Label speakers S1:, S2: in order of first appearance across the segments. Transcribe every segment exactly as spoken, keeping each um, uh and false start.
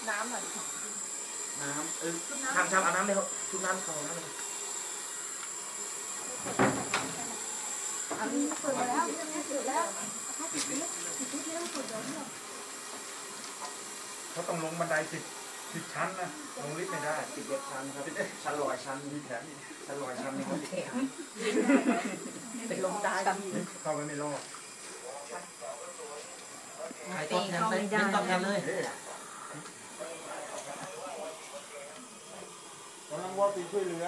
S1: น้ำหน่อย
S2: น้ำเออทำชามเอาน้ำเลยครับชุบน้ำเขาน้ำเลย
S1: อันนี้เปิดแล้วเปิดแล้วติดนิดติดนิดแล้วเปิดแล้วเนี่ย
S3: เขาต้องลงบันไดสิบสิบชั้นนะลงลิฟต์ไม่ได้
S2: สิบเอ็ดชั้นครับชั้นลอยชั้นมีแถมชั้นลอยชั้นนี่เขาติดแถม
S1: เป็นลงได้
S3: เข้าไปไม่รอด
S2: ใครต้องแทนเลยไม่ต้องแทนเลย
S3: กำลังว่าปีช่วยเหลือ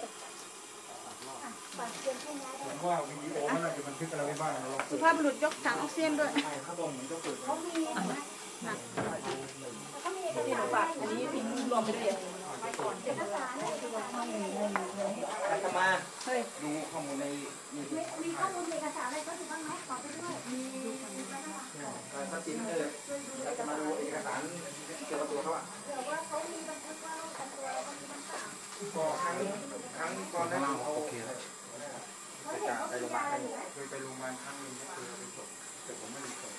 S3: ผมว่าวิดีโอมันน่าจะบันทึกอะไรไว้บ้างเรา
S1: สุภาพบุรุษยกถังออกซิเจนด้วย
S2: เขาบอกเหมือนก็เปิด
S4: เขามีนะเขามีเอกสาร
S1: อันนี้พิมพ์รวมไปด้วย
S4: ไปก่อนเอกสาร
S2: อาตมาดูข้อมูลในมี
S4: มีข้อมูลเอกสารอะไรก็ถือบ้างไหมขอไปด้วยมี
S2: ถ้าจริงเอออาตมาดูเอกสารเกี่ยวกับตัวเขาอะ
S4: เผื่อว่าเขามีบันทึกว่าโรคประจำตัวแล้วก็มีบันทึก
S2: ก็ครั้งครั้งตอนนั้นเขาโอเคแล้ว
S4: เขาเห็นเขาเป็นยาอยู่
S3: เคยไปโรงพยาบาลครั้งนึงก็คือไปส่งแต่ผมไม่ได้ส่ง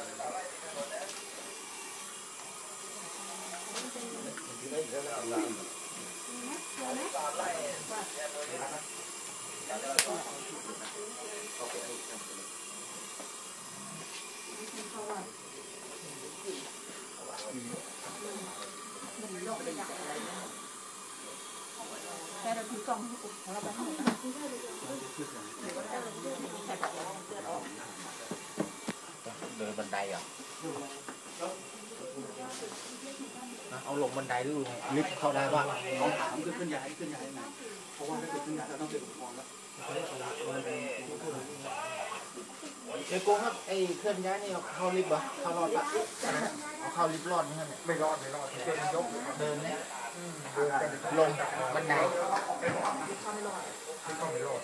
S1: แต่เราถือกล่องของเราไปให้
S2: เดินบันไดอ่ะเอาลงบันไดหรือลงลิฟต์เข้าได้ป่ะเขาถามคือขึ้นย้ายขึ้นย้ายไงเพราะว่าถ้าเกิดขึ้นย้ายเราต้องเป็นอุปกรณ์แล้วเอ้โก้ครับไอ้เคลื่อนย้ายนี่เข้าลิฟต์เหรอเข้ารอดปะเอาเข้าลิฟต์รอดไหมครับเนี่ย
S3: ไม่รอดไม่รอดเดินยก
S2: เดินเนี่ยลงบันได
S3: ไม่ต้องไม่รอด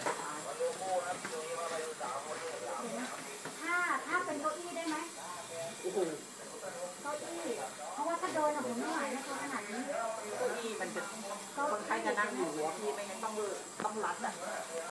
S4: ถ้าถ้าเป็นเก้าอี้ได้ไหมเก้าอี้เพราะว่าถ้าเดินอะผมไม่ไหวนะตัวขนาดนี้
S1: เก้าอี้มันจะคนไข้จะนั่งอยู่หัวพี่ไม่งั้นต้องต้องรัดอ่ะ